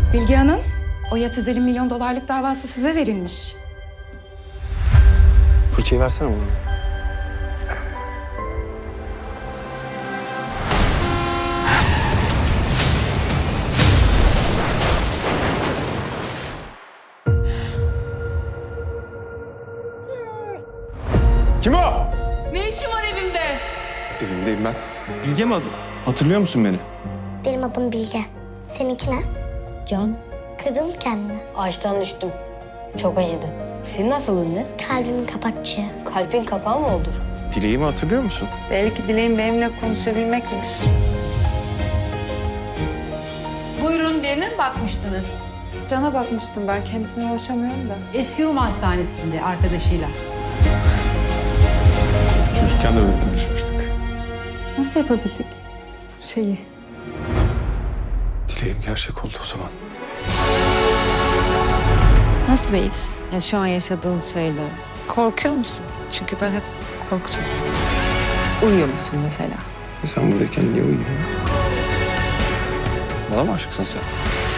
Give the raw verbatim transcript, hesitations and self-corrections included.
Bilge Hanım, o Yat Özel'in milyon dolarlık davası size verilmiş. Fırçayı versene bana. Kim o? Ne işin var evimde? Evimdeyim ben. Bilge mi adın? Hatırlıyor musun beni? Benim adım Bilge. Seninki ne? Can, Kırdın mı kendini? ağaçtan düştüm. Çok acıdı. Senin nasılın ne? Kalbimin kapakçığı. Kalbin kapağı mı olur? Dileğimi hatırlıyor musun? Belki dileğin benimle konuşabilmekmiş. Buyurun, birine mi bakmıştınız? Can'a bakmıştım ben. Kendisine ulaşamıyorum da. Eski Rum Hastanesi'nde arkadaşıyla. Çocukken de böyle tanışmıştık. Nasıl yapabildik bu şeyi? Dileğim gerçek oldu o zaman. Nasıl bir his? Ya şu an yaşadığın şeyle. Korkuyor musun? Çünkü ben hep korktum. Uyuyor musun mesela? E sen buradayken niye uyuyayım ya? Bana mı aşıksın sen?